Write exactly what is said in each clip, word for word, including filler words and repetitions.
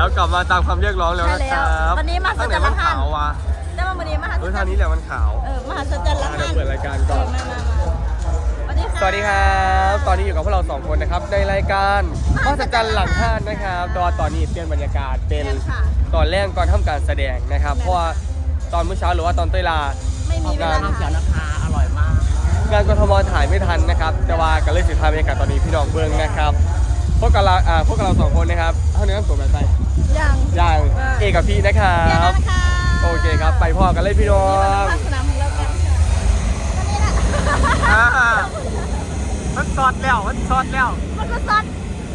แล้วกลับมาตามคำเรียกร้องแล้วนะครับวันนี้มาสัจจ์ละหันได้มาวันนี้มาสัจจ์เออทางนี้แหละมันขาวเออมาสัจจ์ละหันเดี๋ยวเปิดรายการก่อนมามามาสวัสดีค่ะสวัสดีครับตอนนี้อยู่กับพวกเราสองคนนะครับในรายการมหัศจรรย์หลังห้านนะครับตอนตอนนี้เปลี่ยนบรรยากาศเป็นตอนแรกก่อนทำการแสดงนะครับเพราะว่าตอนเมื่อเช้าหรือว่าตอนเต้ยลาไม่มีเวลาข้าวเขียวนะคะอร่อยมากงานกทมถ่ายไม่ทันนะครับแต่ว่ากันเลยสุดท้ายบรรยากาศตอนนี้พี่น้องเบิ้งนะครับพวกกับเราอ่าพวกกับเราสองคนนะครับเท่านี้ต้องสวมแบบไปยังอย่างเอกกับพี่นะครัเดี๋ยวบนะคะโอเคครับไปพ่อกันเลยพี่น้องภาคสนามของเรากันวันนี้แหละอ่ามันสอดแล้วมันสอดแล้วมันก็ซัด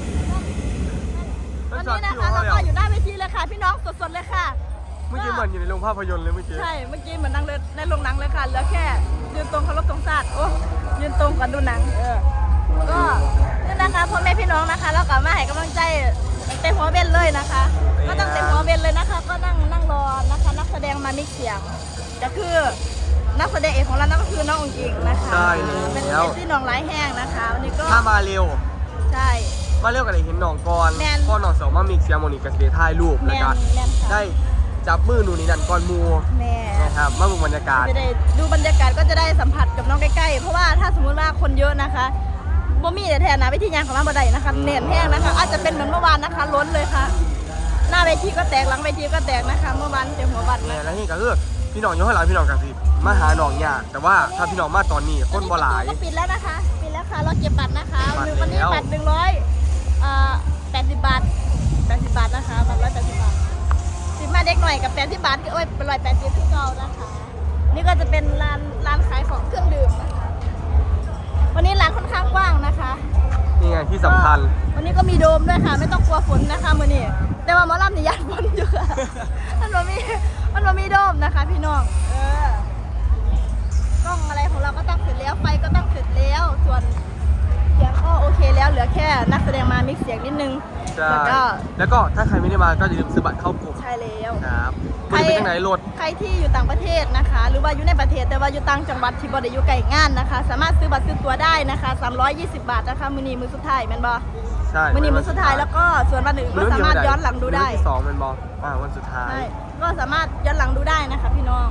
วันนี้นะคะเราก็อยู่หน้าเวทีเลยค่ะพี่น้องสดๆเลยค่ะเมื่อกี้เหมือนอยู่ในโรงภาพยนตร์เลยเมื่อกี้ใช่เมื่อกี้เหมือนนั่งเลยในโรงหนังเลยค่ะเหลือแค่ยืนตรงเคารพตรงศาสตร์โอ้ยืนตรงก่อนดูหนังเออก็นี่นะคะพ่อแม่พี่น้องนะคะเรากลับมาให้กำลังใจเต็มหัวเบนเลยนะคะก็ตั้งเต็มหัวเบนเลยนะคะก็นั่งนั่งรอนะคะนักแสดงมามิกเสียงก็คือนักแสดงเอกของเรานั่นก็คือน้ององค์อิงนะคะใช่เป็นแล้วเป็นที่น้องไร้แห้งนะคะวันนี้ก็ถ้ามาเร็วใช่มาเร็วกันเลยเห็นหนองก่อนแม่นพ่อหนองสองมามีเสียงโมนิกับเสียถ่ายรูปแมแล้วนก็แมนค่ะได้จับมือหนูนี่นั่นก่อนหมูแม่นะครับมาดูบรรยากาศจะได้ดูบรรยากาศก็จะได้สัมผัสกับน้องใกล้ๆ เพราะว่าถ้าสมมุติว่าคนเยอะนะคะบ่มีแต่แทนนะวิธีงานของร้านบ่ได้นะคะเน้นแห้งนะคะอาจจะเป็นเหมือนเมื่อวานนะคะล้นเลยค่ะ หน้าเวทีก็แตกหลังเวทีก็แตกนะคะเมื่อวานเต็มหัวบัตรแม่นะแล้วนี่ก็คือพี่น้องอยู่ข้างหลังพี่น้องกับสิมาหาหนองยากแต่ว่าถ้าพี่น้องมาตอนนี้คนบ่หลายก็ปิดแล้วนะคะปิดแล้วค่ะเราเก็บบัตรนะคะบัตรวันนี้แล้วบัตรหนึ่งร้อยเอ่อแปดสิบบาทแปดสิบบาทนะคะบัตรร้อยแปดสิบบาทสิบมาเด็กหน่อยกับแปดสิบบาทก็โอ้ยเป็นร้อยแปดสิบที่เก่านะคะนี่ก็จะเป็นร้านร้านขายของเครื่องดื่มนะคะวันนี้ร้านค่อนข้างกว้างนะคะนี่ไงที่สำคัญวันนี้ก็มีโดมด้วยค่ะไม่ต้องกลัวฝนนะคะมือนี้แต่ว่าหมอลำนี่ยันฝนอยู่ค่ะ มันบ่มีมันบ่มีโดมนะคะพี่น้องเออกล้องอะไรของเราก็ตั้งเสร็จแล้วไฟก็ตั้งเสร็จแล้วส่วนเสียงก็โอเคแล้วเหลือแค่นักแสดงมามิกเสียงนิดนึงใช่แล้วก็แล้วก็ถ้าใครไม่ได้มาก็อย่าลืมซื้อบัตรเข้ากลุ่มใช่แล้วครับมันจะเป็นยังไงรถใครที่อยู่ต่างประเทศนะคะ หรือว่าอยู่ในประเทศแต่ว่าอยู่ต่างจังหวัดที่บ่ได้อยู่ไกลงานนะคะ สามารถซื้อบัตรซื้อตั๋วได้นะคะสามร้อยยี่สิบบาทนะคะมื้อนี้มื้อสุดท้ายแม่นบ่ใช่มื้อนี้มื้อสุดท้ายแล้วก็ส่วนวันอื่นก็สามารถย้อนหลังดูได้มื้อที่สองมันบอกอ่าวันสุดท้ายใช่ก็สามารถย้อนหลังดูได้นะคะพี่น้อง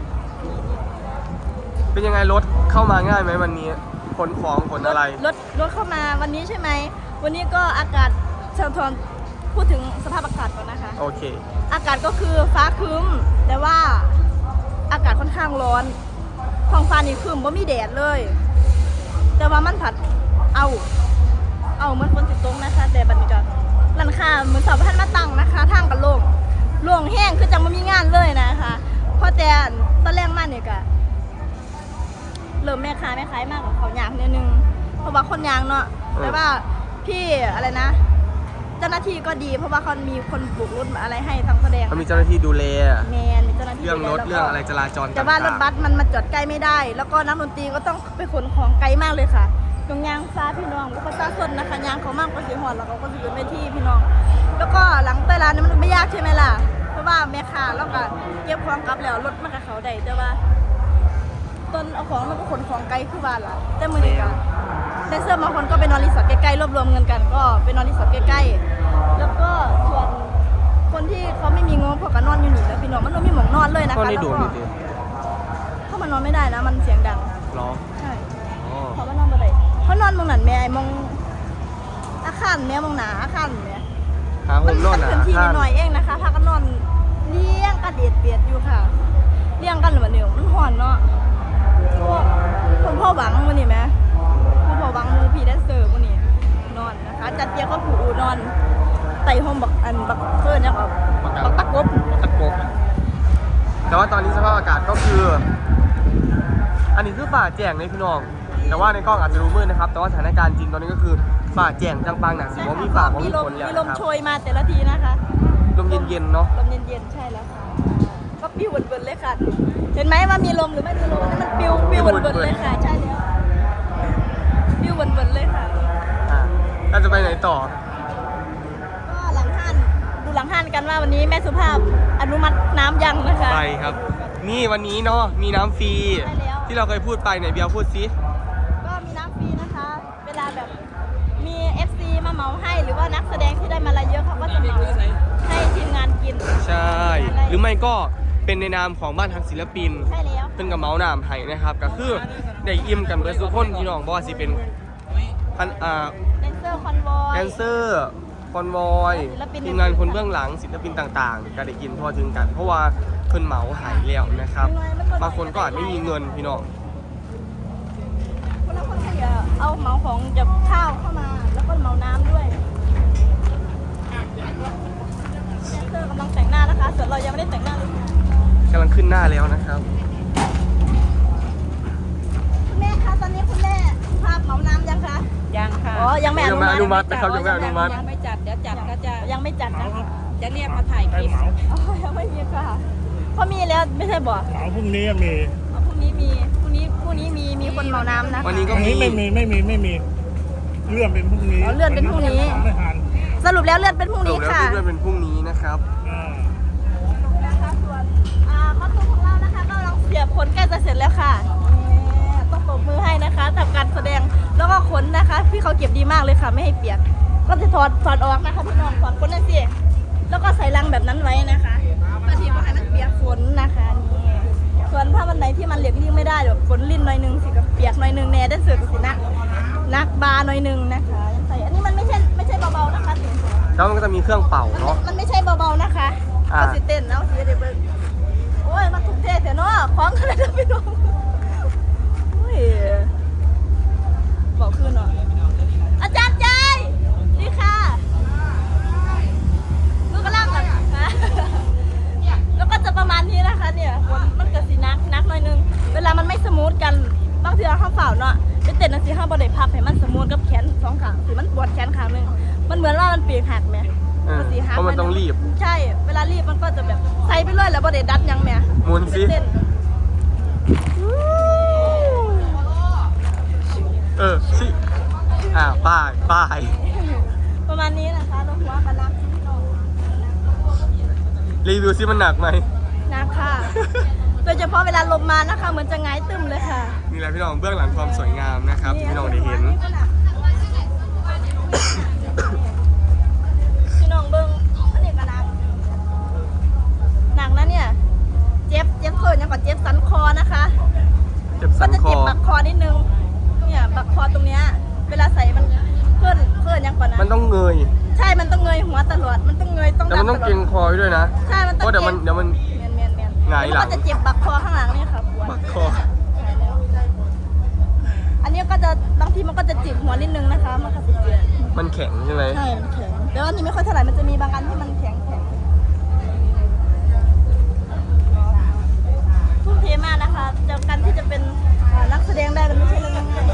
เป็นยังไงรถเข้ามาง่ายไหมวันนี้ขนของขนอะไรรถรถเข้ามาวันนี้ใช่ไหมวันนี้ก็อากาศเชิญทวนพูดถึงสภาพอากาศก่อนนะคะโอเคอากาศก็คือฟ้าครึ้มแต่ว่าอากาศค่อนข้างร้อนท้องฟ้านี่ครึ้มบ่มีแดดเลย แต่ว่ามันผัดเอาเอาเหมือนฝนสิตกนะคะ แต่บัดนี้ก็ร้านค้าเหมือนสาวพันมาตั้งนะคะทางกันโล่งโล่งแห้งคือจังบ่มีงานเลยนะคะเพราะแต่ตอนแรกมาเนี่ยก็เริ่มแม่ค้าแม่ขายมากกว่าเขายางนิดนึงเพราะว่าคนยางเนาะแต่ว่าพี่อะไรนะ เจ้าหน้าที่ก็ดีเพราะว่าเขามีคนปลูกรถอะไรให้ทั้งแสดงเขามีเจ้าหน้าที่ดูแลแมนมีเจ้าหน้าที่เรื่องรถดูแลเรื่องอะไรจราจรแต่ว่ารถบัสมันมาจอดใกล้ไม่ได้ แล้วก็นักดนตรีก็ต้องไปขนของไกลมากเลยค่ะตรงยางฟ้าพี่น้องแล้วก็ซาสนนะคะยางเขามากกว่าสีหอดแล้วเขาก็อยู่ในที่พี่น้อง แล้วก็หลังเตยร้านนี่มันไม่ยากใช่ไหมล่ะเพราะว่าแม่ค้าแล้วก็เก็บของกลับแล้วรถมันกับเขาได้แต่ว่าต้นเอาของมันก็ขนของไกลคือว่าล่ะแต่มือนี้กันแดนเซอร์บางคนก็ไปนอนรีสอร์ทใกล้ๆรวบรวมเงินกันก็ไปนอนรีสอร์ทใกล้ๆแล้วก็ส่วนคนที่เขาไม่มีงบพวกก็นอนอยู่นี่แล้วพี่น้องมันไม่มีหมองนอนเลยนะคะก็แล้วนี่ดูก็นี่ดิเข้ามันนอนไม่ได้นะมันเสียงดังร้องใช่อ๋อเขาว่านอนบ่ได้เขานอนมองหนันแม่ไอ้มองอาคารแม่มองหนาอาคารแม่หาโฮมนอนมัอ่ะพื้นที่นิดหน่อยเองนะคะพากันนอนเลี้ยงกันเดียดเบียดอยู่ค่ะเลี้ยงกันเหมือนเดิมมันห่อนเนาะพวกคนพ่อหวังวันนี้ไหมคนพ่อหวังมูพีแดนเซอร์วันนี้นอนนะคะจัดเตียงก็ผูนอนไต่ห้องบักอันบักเฟิร์นเนี่ยครับบักตะกบตะกบแต่ว่าตอนนี้สภาพอากาศก็คือ อันนี้คือฝ่าแจ้งเลยพี่น้อง แต่ว่าในกล้องอาจจะดูมืดนะครับ แต่ว่าสถานการณ์จริงตอนนี้ก็คือฝ่าแจ้งจังปังหนักสิว่ามีฝ่าว่ามีฝนแล้วมีลนะมครับโชยมาแต่ละทีนะคะลมเย็นๆเนาะลมเย็นๆใช่แล้วค่ะก็ปิ้วเบิร์นๆเลยค่ะ เห็นไหมว่ามีลมหรือไม่มีลมมันปิ้วปิ้วเบิร์นๆเลยค่ะใช่แล้วปิ้วเบิร์นๆเลยค่ะอ่าเราจะไปไหนต่อก็หลังห้านดูหลังห้านกันว่าวันนี้แม่สุภาพอนุมัติน้ำยังนะคะไปครับ นี่วันนี้เนาะมีน้ำฟรีใช่แล้วที่เราเคยพูดไปไหนเบียร์พูดซิก็มีน้ำฟรีนะคะ เวลาแบบมี เอฟ ซี มาเหมาให้หรือว่านักแสดงที่ได้มาละเยอะเขาก็จะเหมาให้ไม่ก็เป็นในนามของบ้านทางศิลปินใช่แล้วเพิ่นกับเมาส์นามให้นะครับก็คือได้อิ่มกันเบิดทุกคนพี่น้องบ่ว่าสิเป็นพันอ่าแดนเซอร์คอนวอยแดนเซอร์คอนวอยศิลปินทีมงานคนเบื้องหลังศิลปินต่างๆก็ได้กินทั่วถึงกัน เพราะว่าเพิ่นเหมาหายแล้วนะครับ บางคนก็อาจไม่มีเงินพี่น้องคนละคนก็อย่าเอาเหมาของจากข้าวเข้ามา แล้วก็เหมาน้ำด้วยแดนเซอร์กำลังแต่งหน้านะคะ ส่วนเรายังไม่ได้แต่งหน้าเลยกำลังขึ้นหน้าแล้วนะครับคุณแม่คะตอนนี้คุณแม่ภาพเหมาน้ำยังคะยังค่ะอ๋อ ยังไม่อยังไม่อนุนุมัมัติตินะครับยังไม่อนุมัติยังไม่จัดเดี๋ยวจัดก็จะยังไม่จัดนะคะจะเรียกมาถ่ายคลิปอ๋อ ยังไม่มีค่ะเพราะมีแล้วไม่ใช่บ่เสาร์พรุ่งนี้มีอ๋อพรุ่งนี้มี พรุ่งนี้ พรุ่งนี้มี มีคนเหมาน้ำนะคะวันนี้ก็วันนี้ไม่มีไม่มีไม่มีเลื่อนเป็นพรุ่งนี้อ๋อเลื่อนเป็นพรุ่งนี้ไม่ทันสรุปแล้วเลื่อนเป็นพรุ่งจนี้บแล้วค่ะที่เลื่อนเป็นพรุ่งนี้นะครับอ่านะคะส่วนอ่าคอสตูมของเรานะคะก็กำลังเสียบขนใกล้จะเสร็จแล้วค่ะนี่ต้องปรบมือให้นะคะทำการแสดงแล้วก็ขนนะคะพี่เขาเก็บดีมากเลยค่ะไม่ให้เปียกก็จะถอดถอดออกนะคะพี่น้องถอดขนนั่นสิแล้วก็ใส่ลังแบบนั้นไว้นะคะเพื่อที่ว่าให้มันเปียกฝนนะคะนี่ส่วนถ้าวันไหนที่มันเหลียกลิ่งไม่ได้เดี๋ยวฝนลิ่นหน่อยนึงสิกับเปียกหน่อยนึงแน่ได้เสือกสินักนักบาหน่อยนึงนะคะยังใส่อันนี้มันไม่ใช่ไม่ใช่เบาๆนะคะแล้วมันก็จะมีเครื่องเป่าเนาะมันไม่ใช่เบาๆนะคะอ่าก็สิเต้นเอาสิเดี๋ยวเบิ่งโอ้ยมันถูกเทเถอะเนาะคล้องกันเลยนะพี่น้องโอ้ยบอกคืนหน่อยอาจารย์ใจนี่ค่ะลูกกระล่างกันนะแล้วก็จะประมาณนี้นะคะเนี่ยคนมันก็สินักนักหน่อยนึง เวลามันไม่สมูทกันบางทีเราข้าวเปล่าเนาะไปเต้นนะสิข้าวบอดี้พับให้มันสมูทกับแขนสองข้างสิมันปวดแขนข้างหนึงมันเหมือนว่ามันปีกหักไหมเออเพราะมันต้องรีบใช่ เวลารีบมันก็จะแบบใส่ไปเรื่อยแล้วบ่ได้ดัดยังแม่หมุนสิเต้นเออสิอ่าป้ายป้ายประมาณนี้นะคะเราหัวกันนักพี่น้องรีวิวซิมันหนักไหมนักค่ะ โดยเฉพาะเวลาลมมานะคะ เหมือนจะหงายตึมเลยค่ะนี่แหละพี่น้องเบื้องหลังความสวยงามนะครับที่พี่น้องได้เห็นพี่น้องเบิ้งอันนี้ก็หนักหนักนะเนี่ย เจ็บเจ็บเพิ่นยังกว่าเจ็บสันคอนะคะเจ็บสัก็นจะคอเจ็บบักคอนิดนึง เนี่ยบักคอตรงเนี้ย เวลาใส่มันเพิ่นเพิ่นยังกว่านะมันต้องเงยใช่ มันต้องเงยหัวตลอด มันต้องเงยต้องแต่มันต้องดำตลเกอรดงคอไว้ด้วยนะใช่ มันเพต้องราะเดี๋ยวมันเดี๋ยวมันเมียนเมียนเมียนหงายหลังแล้วมันก็จะเจ็บบักคอข้างหลังนี่ค่ะปวดบักคออันนี้ก็จะบางทีมันก็จะจิกหัวนิดนึงนะคะ มันก็จะเจ็บมันแข็งใช่ไหมใช่ มันแข็งแต่ว่าอันนี้ไม่ค่อยเท่าไหร่ มันจะมีบางอันที่มันแข็งแข็งทุ่มเทมากนะคะจากการที่จะเป็นอ่านักแสดงได้มันไม่ใช่เรื่องง่ายนี่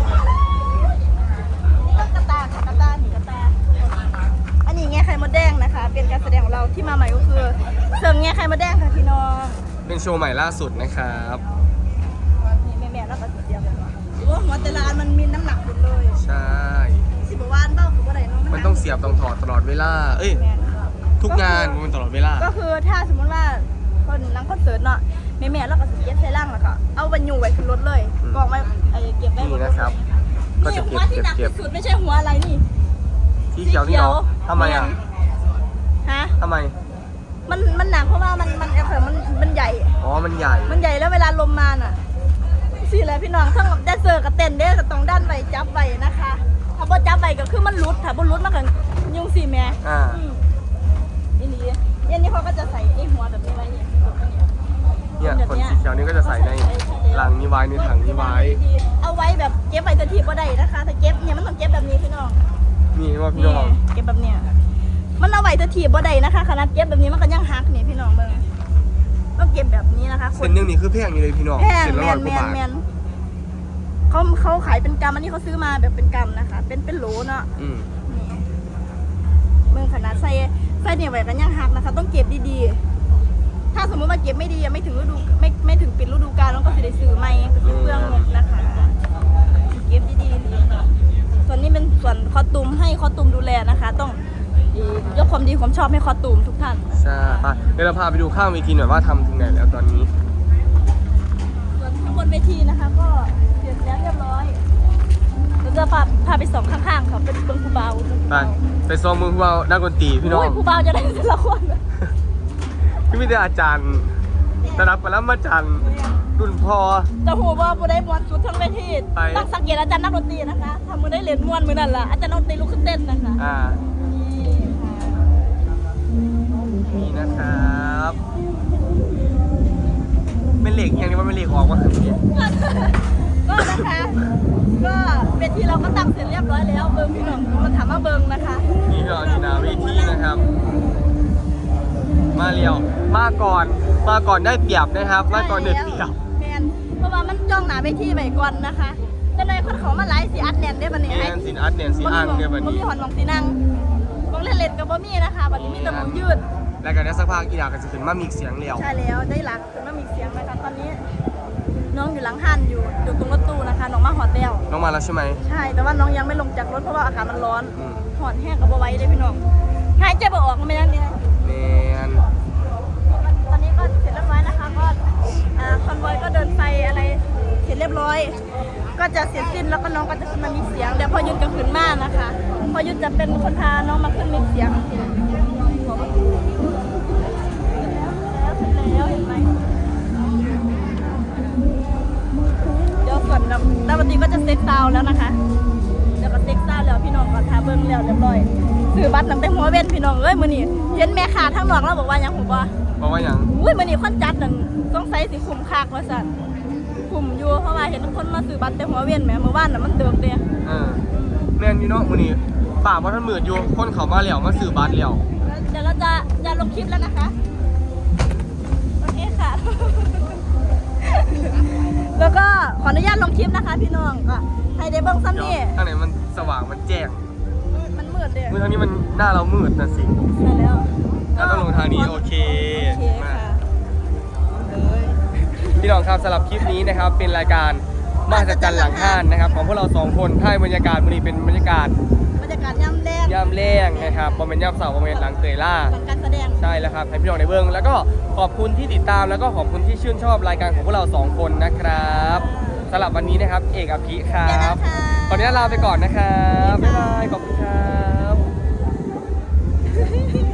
ก็กระตาค่ะกระตาหนีกระตา อันนี้แง่ไข่มดแดงนะคะ เป็นการแสดงของเราที่มาใหม่ก็คือเสริมแง่ไข่มดแดงค่ะพี่น้องเป็นโชว์ใหม่ล่าสุดนะครับนี่แม่ๆแล้วก็เสียบเลยว่าหรือว่าหัวแต่ละอันมันมีน้ำหนักหมดเลยใช่สิบกว่าวันเบ้าคือว่าอะไรเนาะมันต้องเสียบต้องถอดตลอดเวลา เอ้ยแม่นค่ะทุกงานมันตลอดเวลาก็คือถ้าสมมติว่าคนนังคอนเสิร์ตเนาะแม่ๆแล้วก็สิเก็บใส่ล่างแล้วก็เอาบรรยุไว้ขึ้นรถเลยอืมกองไว้ไอ้เก็บไว้นี่นะครับ ก็นี่จะหัเก็วบที่เก็บหนักเก็บที่สุดไม่ใช่หัวอะไรนี่สีเขียวนี่เหรอทำไมอ่ะฮะทำไมมันมันหนักเพราะว่ามันมันเออมันมันใหญ่อ๋อ มันใหญ่มันใหญ่แล้วเวลาลมมาน่ะสิแหละพี่น้องทั้งแดนเซอร์กับเต้นเด้อก็ต้องด้านไว้จับไว้นะคะ ถ้าบ่จับไว้ก็คือมันหลุดถ้าบ่หลุดมันก็ยุ่งสิแม่อ่าอืมนี่นี่อันนี้เขาก็จะใส่ไอ้หัวแบบนี้ไว้เนี่ยเนี่ยคนสีเขียวนี่ก็จะใส่ในลังนี้ไว้ในถังนี้ไว้เอาไว้แบบเก็บไว้ทันทีบ่ได้นะคะถ้าเก็บเนี่ยมันต้องเก็บแบบนี้พี่น้องนี่ว่าพี่นี่น้องเก็บแบบเนี้ยมันเอาไว้ทันทีบ่ได้นะคะขนาดเก็บแบบนี้มันก็ยังหักนี่พี่น้องเบิ่งต้องเก็บแบบนี้นะคะเส้นหนึงนี่คือแพงอยู่เลยพี่น้องแพงเส้นละแมร้อยนกแมว่าน บาทแมนเขาเขาขายเป็นกรัมอันนี้เขาซื้อมาแบบเป็นกรัมนะคะ เป็นเป็นโหลเนาะอืมนี่เมืองขนาดใส่ใส่เนี่ยไว้กันยังหักนะคะ ต้องเก็บดีๆถ้าสมมติว่าเก็บไม่ดียังไม่ถึงฤดูไม่ไม่ถึงปิดฤดูกาลแล้วก็จะได้ซื้อใหม่ก็จะเปลืองงบนะคะเก็บดีๆส่วนนี้เป็นส่วนคอตูมให้คอตูมดูแลนะคะ ต้องยกความดีความชอบให้คอตูมทุกท่านใช่ไปเดี๋ยวเราพาไปดูข้างเวทีหน่อยว่าทำถึงไหนแล้วตอนนี้ส่วนข้างบนเวทีนะคะ ก็เสร็จแล้วเรียบร้อยเราจะพาพาไปสองข้างๆค่ะเป็นเบิ้งครูเบาไป ไปซ้อมมือพวกเราด้านดนตรีพี่น้องโยครูเบาจะได้แต่ละคนไปก็มีแต่อาจารย์ระดับปรมาจารย์รุ่นพอจะหูว่าผู้ได้มวนสุดทั้งเวทีไปต้องสังเกตอาจารย์นักดนตรีนะคะทำมือได้เหรียญมวนมือนั่นล่ะอาจารย์นักดนตรีลุกขึ้นเต้นนะคะอ่านี่ค่ะนี่นะครับเป็นเหล็กอย่างนี้ว่าเป็นเหล็กออกมาถึงนี้ก็นะคะก็เวทีเราก็ตั้งเสร็จเรียบร้อยแล้วเบิ้งพี่น้องมาถามว่าเบิ้งนะคะนี่ก็นี่นาเวทีนะครับ มาเรียวมาก่อนมาก่อนได้เปรียบนะครับ มาก่อนได้เปรียบแมนเพราะว่ามันจ้องหนาเวทีไปก่อนนะคะแต่ในคนเขามาไลฟ์สีอัดแน่นได้บันนี้แอนสินอัดเนียนสีอ่างเนี่ยวันบ่นี้มีหอนมองสีนั่งมองเล่นๆกับบ่มีนะคะบัดนี้มีแต่มองยืดแล้วก็ได้สักพักอีดาก็จะขึ้นมามีเสียงเรียวใช่แล้วได้หลักมันมีเสียงนะคะตอนนี้ น้องอยู่หลังหันอยู่อยู่ตรงรถตู้นะคะน้องมาหอดแล้วน้องมาแล้วใช่ไหมใช่แต่ว่าน้องยังไม่ลงจากรถเพราะว่าอากาศมันร้อนอืมหอนแห้งกับบ่ไหว้เลยพี่น้องหายใจบ่ออกไม่ได้เนี่ยแมนตอนนี้ก็เสร็จเรียบร้อยนะคะก็อ่าคอนวอยก็เดินไปอะไรเสร็จเรียบร้อย ก็จะเสร็จสิ้นแล้วก็น้องก็จะขึ้นมามีเสียงเดี๋ยวพอยุทธจะขึ้นมานะคะพอยุทธจะเป็นคนพาน้องมาขึ้นมีเสียงแล้วเสร็จแล้วเห็นไหมเดี๋ยวส่วนดาวตีก็จะเซ็กซาวแล้วนะคะเดี๋ยวก็เซ็กซาวแล้วพี่น้องก็ทาเบิ้งแล้วเรียบร้อยซื้อบัตรตั้งแต่หัวเว้นพี่น้องเอ้ยมื้อนี้เห็นแม่ค้าทั้งหลอกแล้วบอกว่าหยังผมว่าบอกว่าอย่างอุ้ยมื้อนี้คนจัดนั่นต้องใส่สิคุ้มค่าว่าซั่นคุ้มอยู่เพราะว่าเห็นคนมาซื้อบัตรแต่หัวเว้นแหมเมื่อวานน่ะมันเติกเด้เออแมนพี่น้องมื้อนี้ป่าว่าท่านมืดอยู่คนเขามาแล้วมาซื้อบัตรแล้วเดี๋ยวเราจะจะลงคลิปแล้วนะคะโอเคค่ะ แล้วก็ขออนุญาตลงคลิปนะคะ พี่น้องก็ให้ได้เบิ่งซ้ำเดี๋ยวนี่ทางไหนมันสว่างมันแจ้งมันมืดเด้มือทางนี้มันหน้าเรามืดนะสิใช่แล้วเราต้องลงทางนี้โอเคโอเคมาค่ะพี่น้องครับสำหรับคลิปนี้นะครับเป็นรายการมหัศจรรย์หลังห้านนะครับของพวกเราสองคนถ่ายบรรยากาศวันนี้เป็นบรรยากาศบรรยากาศย่ำแดงย่ำแรงนะครับบอมเป็นย่ำเสาบอมเป็นหลังเตยล่าหลังการแสดงใช่แล้วครับให้พี่น้องในเบื้องแล้วก็ขอบคุณที่ติดตามแล้วก็ขอบคุณที่ชื่นชอบรายการของพวกเราสองคนนะครับสำหรับวันนี้นะครับเอกอภิครัเดี๋ยวบนะคะขออนุญาตลาไปก่อนนะครับบ๊ายบายขอบคุณครับ